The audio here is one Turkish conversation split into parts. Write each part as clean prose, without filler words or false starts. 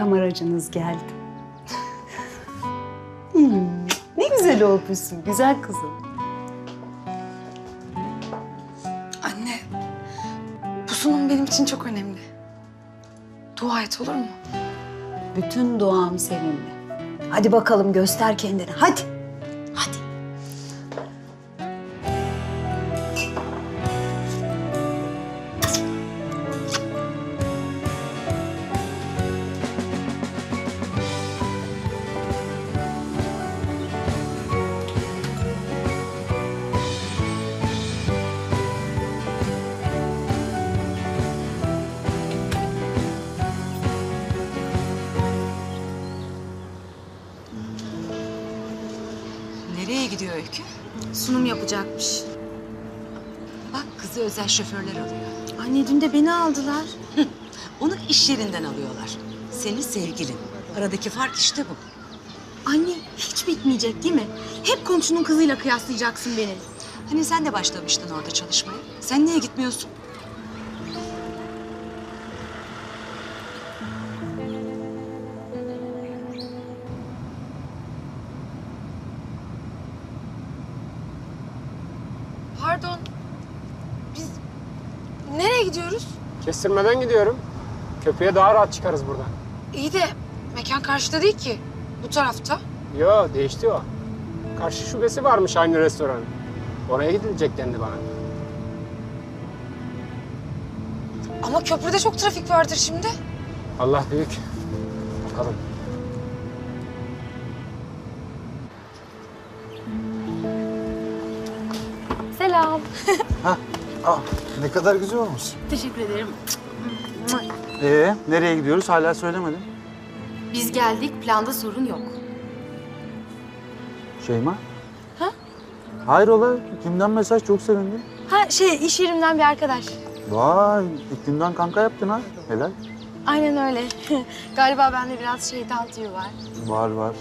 makam aracınız geldi. Ne güzel olmuşsun, güzel kızım. Anne, bu sunum benim için çok önemli. Dua et, olur mu? Bütün duam seninle. Hadi bakalım göster kendini, hadi. Hadi. Nereye gidiyor Öykü? Sunum yapacakmış. Bak kızı özel şoförler alıyor. Anne dün de beni aldılar. Onu iş yerinden alıyorlar. Senin sevgilin. Aradaki fark işte bu. Anne hiç bitmeyecek değil mi? Hep komşunun kızıyla kıyaslayacaksın beni. Hani sen de başlamıştın orada çalışmaya. Sen niye gitmiyorsun? Pardon. Biz nereye gidiyoruz? Kestirmeden gidiyorum. Köprüye daha rahat çıkarız buradan. İyi de mekan karşıda değil ki. Bu tarafta. Yo, değişti o. Karşı şubesi varmış aynı restoranın. Oraya gidilecek dendi bana. Ama köprüde çok trafik vardır şimdi. Allah büyük. Bakalım. Selam. Ne kadar güzel olmuş. Teşekkür ederim. Nereye gidiyoruz hala söylemedin. Biz geldik, planda sorun yok. Şeyma? Ha? Hayrola? Kimden mesaj, çok sevindim. Ha iş yerimden bir arkadaş. Vay, ilk günden kanka yaptın ha. Helal. Aynen öyle. Galiba bende biraz şeytan tüyü var. Var.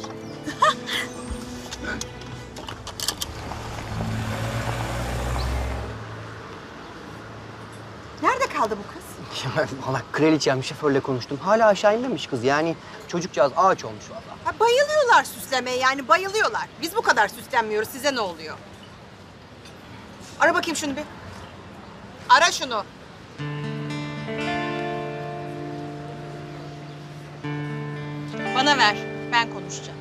Nerede kaldı bu kız? Ya valla kraliçem şoförle konuştum. Hala aşağı inmemiş kız. Yani çocukcağız ağaç olmuş valla. Ha, bayılıyorlar süslemeye yani bayılıyorlar. Biz bu kadar süslenmiyoruz. Size ne oluyor? Ara bakayım şunu bir. Ara şunu. Bana ver. Ben konuşacağım.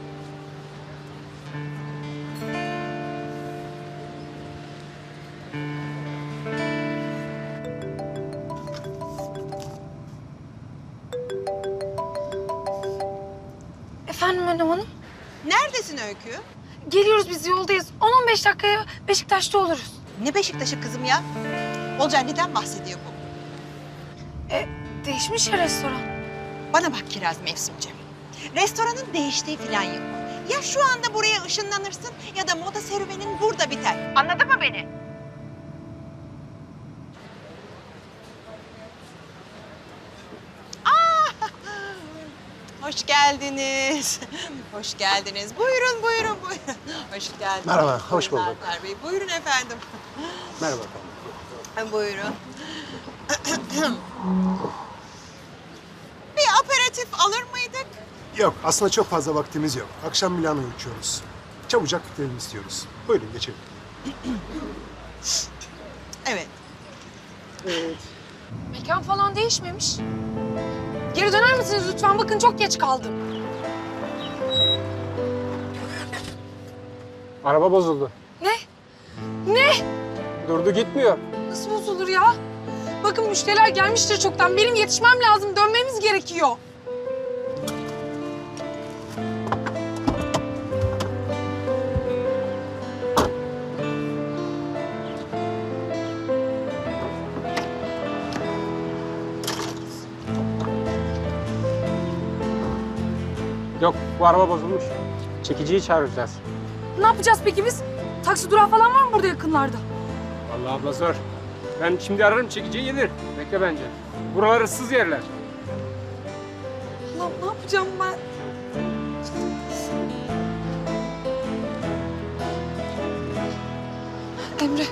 Efendim Önem Hanım? Neredesin Öykü? Geliyoruz biz yoldayız. 10-15 dakikaya Beşiktaş'ta oluruz. Ne Beşiktaş'ı kızım ya? Olcay neden bahsediyor bu? Değişmiş ya restoran. Bana bak Kiraz Mevsimciğim. Restoranın değiştiği falan yok. Ya şu anda buraya ışınlanırsın ya da moda serüvenin burada biter. Anladın mı beni? Hoş geldiniz. Hoş geldiniz. Buyurun. Hoş geldiniz. Merhaba, hoş bulduk. Alper Bey. Buyurun efendim. Merhaba efendim. Buyurun. Bir aperatif alır mıydık? Yok, aslında çok fazla vaktimiz yok. Akşam Milano'ya uçuyoruz. Çabucak bitirelim istiyoruz. Buyurun geçelim. Evet. Mekan falan değişmemiş. Geri döner misiniz lütfen? Bakın çok geç kaldım. Araba bozuldu. Ne? Ne? Durdu gitmiyor. Nasıl bozulur ya? Bakın müşteriler gelmiştir çoktan. Benim yetişmem lazım. Dönmemiz gerekiyor. Yok, bu araba bozulmuş. Çekiciyi çağıracağız. Ne yapacağız peki biz? Taksi durağı falan var mı burada yakınlarda? Vallahi abla zor. Ben şimdi ararım, çekiciyi gelir. Bekle bence. Buralar ıssız yerler. Allah'ım ne yapacağım ben? Emre.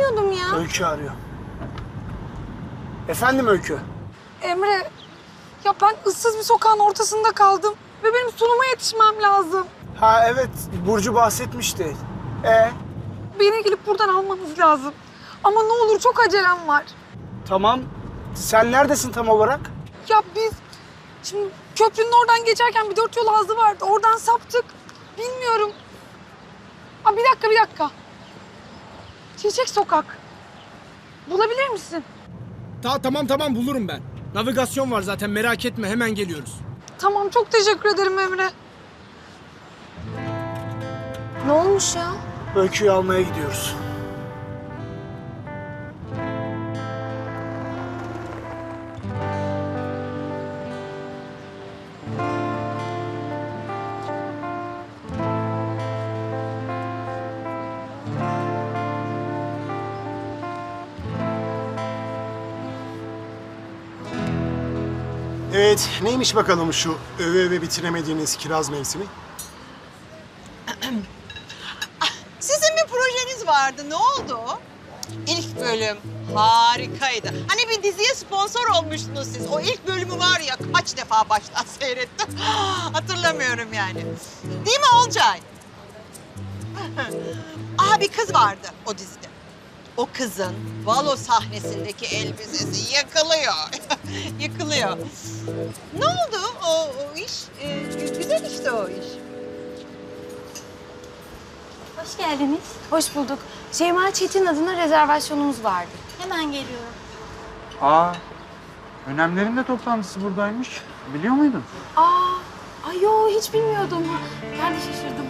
bilmiyordum ya. Öykü arıyor. Efendim Öykü? Emre, ya ben ıssız bir sokağın ortasında kaldım. Ve benim sunuma yetişmem lazım. Ha evet, Burcu bahsetmişti. Beni gelip buradan almanız lazım. Ama ne olur çok acelem var. Tamam. Sen neredesin tam olarak? Ya biz şimdi köprünün oradan geçerken bir 4 yol ağzı vardı. Oradan saptık. Bilmiyorum. Aa, bir dakika. Çiçek Sokak. Bulabilir misin? Tamam bulurum ben. Navigasyon var zaten, merak etme, hemen geliyoruz. Tamam, çok teşekkür ederim Emre. Ne olmuş ya? Öykü'yü almaya gidiyoruz. Evet, neymiş bakalım şu öve bitiremediğiniz kiraz mevsimi? Sizin bir projeniz vardı. Ne oldu? İlk bölüm harikaydı. Hani bir diziye sponsor olmuştunuz siz. O ilk bölümü var ya kaç defa baştan seyrettim. Hatırlamıyorum yani. Değil mi Olcay? Bir kız vardı o dizide. O kızın balo sahnesindeki elbisesi yakılıyor. Yıkılıyor. Ne oldu o iş? Güzel işte o iş. Hoş geldiniz. Hoş bulduk. Şeyma Çetin adına rezervasyonumuz vardı. Hemen geliyorum. Önemlerin de toplantısı buradaymış. Biliyor muydun? Ay yo hiç bilmiyordum. Ben de şaşırdım.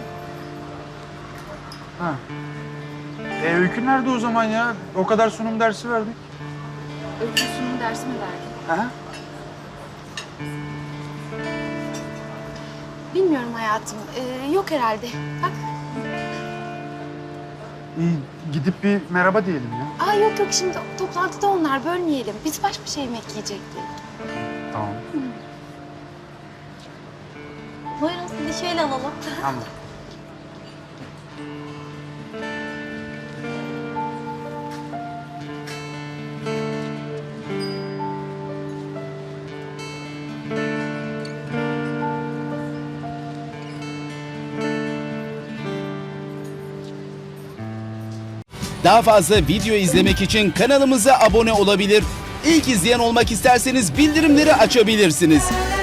Öykü nerede o zaman ya? O kadar sunum dersi verdik. Öykü sunum dersi mi verdin? Aha. Bilmiyorum hayatım. Yok herhalde. Bak. İyi, gidip bir merhaba diyelim ya. Yok şimdi toplantıda onlar, bölmeyelim. Biz baş başa yemek yiyecektik. Tamam. Buyurun sizi şöyle alalım. Tamam. Daha fazla video izlemek için kanalımıza abone olabilir. İlk izleyen olmak isterseniz bildirimleri açabilirsiniz.